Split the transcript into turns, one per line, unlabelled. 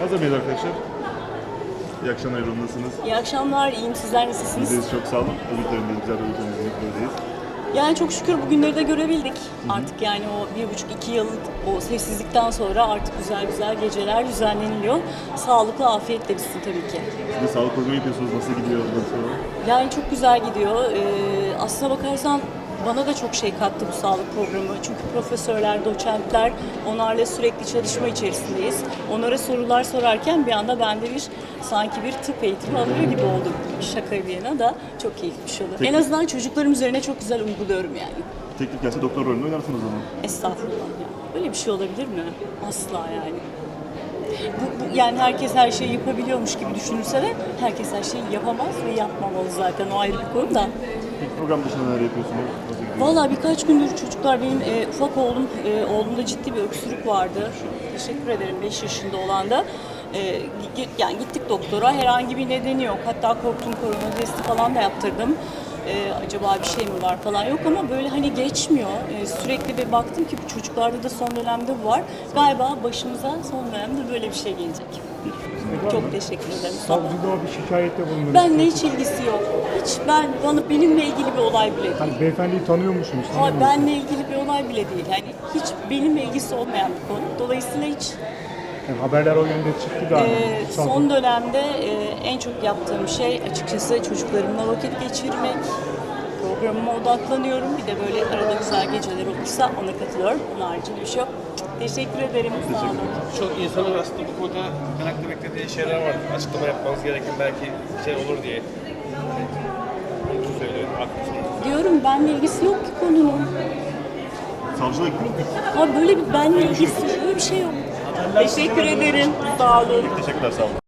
Hazır mıyız arkadaşlar? İyi akşamlar, yorumdasınız.
İyi akşamlar, iyiyim. Sizler nasılsınız?
Bizdeyiz, çok sağ olun. Ümitlerimdeyiz, güzel ümitlerimizle birlikteyiz.
Yani çok şükür bugünleri de görebildik. Artık yani o 1,5-2 yıllık o sessizlikten sonra artık güzel güzel geceler düzenleniliyor. Sağlıklı, afiyetle bitsin tabii ki.
Siz de sağlık programı yapıyorsunuz, nasıl gidiyor?
Yani çok güzel gidiyor. Aslına bakarsan bana da çok şey kattı bu sağlık programı. Çünkü profesörler, doçentler, onlarla sürekli çalışma içerisindeyiz. Onlara sorular sorarken bir anda ben de sanki bir tıp eğitimi alıyor gibi oldum. Şaka bir yana da çok keyifli bir şey oldu. En azından çocuklarım üzerine çok güzel uyguluyorum yani.
Teklif gelse doktor rolünü oynarsınız o zaman.
Estağfurullah ya. Böyle bir şey olabilir mi? Asla yani. Yani herkes her şeyi yapabiliyormuş gibi düşünülse de herkes her şeyi yapamaz ve yapmamalı zaten. O ayrı bir konu da.
Peki program dışında neler yapıyorsunuz? Nasıl gidiyor?
Vallahi birkaç gündür çocuklar benim ufak oğlumda ciddi bir öksürük vardı. Teşekkür ederim 5 yaşında olan da. Yani gittik doktora, herhangi bir nedeni yok. Hatta korktum, korona testi falan da yaptırdım. Acaba bir şey mi var falan yok ama böyle hani geçmiyor. Sürekli bir baktım ki bu çocuklarda da son dönemde bu var. Galiba başımıza son dönemde böyle bir şey gelecek. Çok teşekkür ederim.
Savcılığa bir şikayette bulundunuz.
Benimle hiç ilgisi yok. Benimle ilgili bir olay bile değil.
Hani beyefendiyi tanıyor musunuz?
Ama benimle ilgili bir olay bile değil. Yani hiç benimle ilgisi olmayan bir konu. Dolayısıyla hiç
Yani haberler o yönde çıktı galiba.
son dönemde en çok yaptığım şey açıkçası çocuklarımla vakit geçirmek. Programıma odaklanıyorum. Bir de böyle arada güzel geceler olursa ona katılıyorum. Onun haricinde bir şey yok. Teşekkür ederim. Sağ olun.
Çok insanın aslında bu konuda merakla beklediği şeyler var. Açıklama yapmanız gereken belki şey olur diye. Onun için söylüyorum. Haklısınız.
Diyorum benimle ilgisi yok ki konunun.
Savcılığa gittiniz mi?
Abi böyle bir benimle ilgisi böyle bir şey yok. Teşekkür ederim. Sağ olun.
Teşekkürler, sağ olun.